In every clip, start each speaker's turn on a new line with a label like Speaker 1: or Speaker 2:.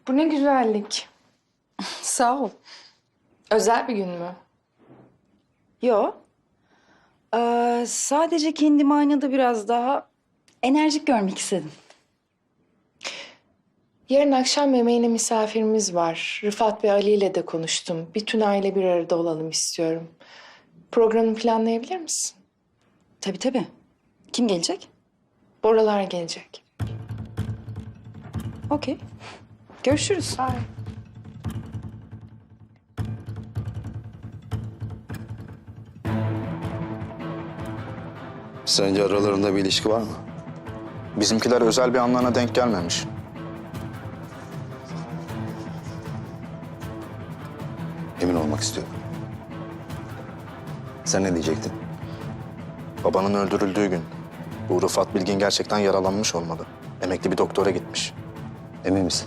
Speaker 1: Bu ne güzellik.
Speaker 2: Sağ ol.
Speaker 1: Özel bir gün mü?
Speaker 2: Yo. Sadece kendimi aynada biraz daha enerjik görmek istedim.
Speaker 1: Yarın akşam yemeğine misafirimiz var. Rıfat ve Ali ile de konuştum. Bütün aile bir arada olalım istiyorum. Programı planlayabilir misin?
Speaker 2: Tabii. Kim gelecek?
Speaker 1: Boralar gelecek.
Speaker 2: Okey. Görüşürüz.
Speaker 1: Bye.
Speaker 3: Sence aralarında bir ilişki var mı?
Speaker 4: Bizimkiler özel bir anlarına denk gelmemiş.
Speaker 3: Emin olmak istiyorum. Sen ne diyecektin?
Speaker 4: Babanın öldürüldüğü gün bu Rıfat Bilgin gerçekten yaralanmış olmalı. Emekli bir doktora gitmiş.
Speaker 3: Emin misin?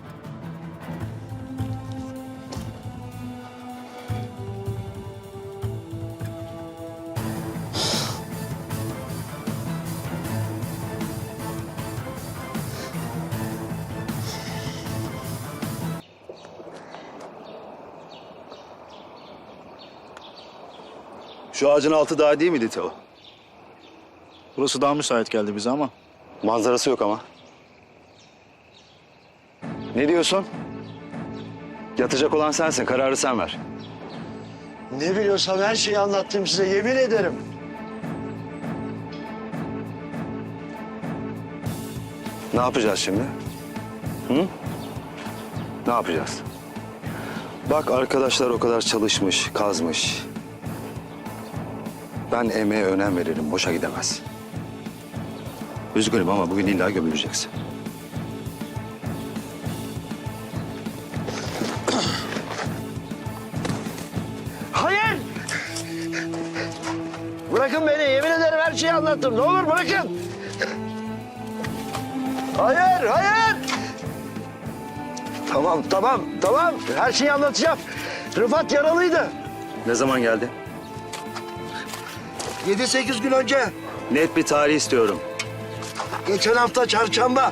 Speaker 3: Şu ağacın altı daha değil miydi Teo?
Speaker 4: Burası daha müsait geldi bize ama.
Speaker 3: Manzarası yok ama. Ne diyorsun? Yatacak olan sensin, kararı sen ver.
Speaker 5: Ne biliyorsam her şeyi anlattım size, yemin ederim.
Speaker 3: Ne yapacağız şimdi? Hı? Ne yapacağız? Bak arkadaşlar o kadar çalışmış, kazmış. Ben emeğe önem veririm, boşa gidemez. Üzgünüm ama bugün illa gömüleceksin.
Speaker 5: Hayır! Bırakın beni, yemin ederim her şeyi anlattım. Ne olur bırakın. Hayır! Tamam. Her şeyi anlatacağım. Rıfat yaralıydı.
Speaker 3: Ne zaman geldi?
Speaker 5: 7-8 gün önce,
Speaker 3: Net bir tarih istiyorum.
Speaker 5: geçen hafta çarşamba.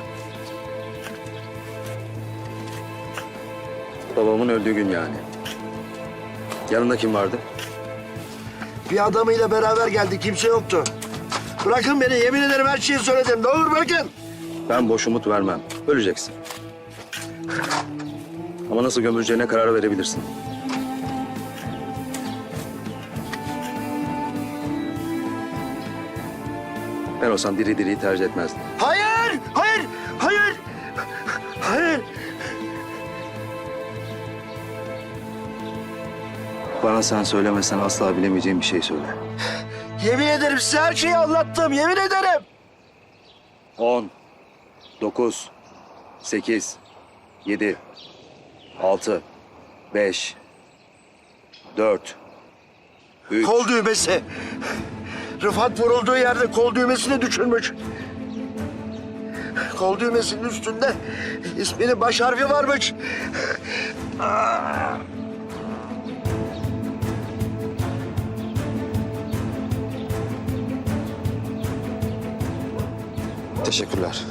Speaker 3: Babamın öldüğü gün yani. Yanında kim vardı?
Speaker 5: Bir adamıyla beraber geldi, kimse yoktu. Bırakın beni, yemin ederim her şeyi söyledim. Ne olur bırakın.
Speaker 3: Ben boş umut vermem. Öleceksin. Ama nasıl gömüleceğine karar verebilirsin. Ben olsam diri diriyi tercih etmezdim.
Speaker 5: Hayır!
Speaker 3: Bana sen söylemesen asla bilemeyeceğim bir şey söyle.
Speaker 5: Yemin ederim size her şeyi anlattım, yemin ederim.
Speaker 3: 10, 9, 8, 7, 6, 5, 4, 3...
Speaker 5: Kol düğmesi. Rıfat vurulduğu yerde kol düğmesini düşürmüş. Kol düğmesinin üstünde isminin baş harfi varmış.
Speaker 3: Teşekkürler.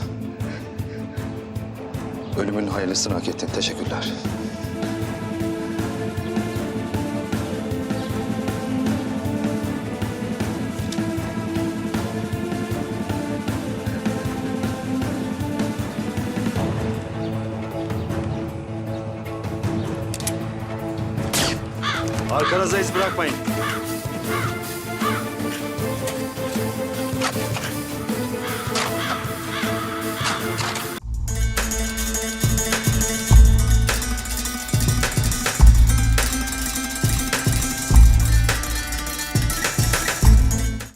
Speaker 3: Ölümün hayırlısını hak ettin. Teşekkürler. Arkanıza iz bırakmayın.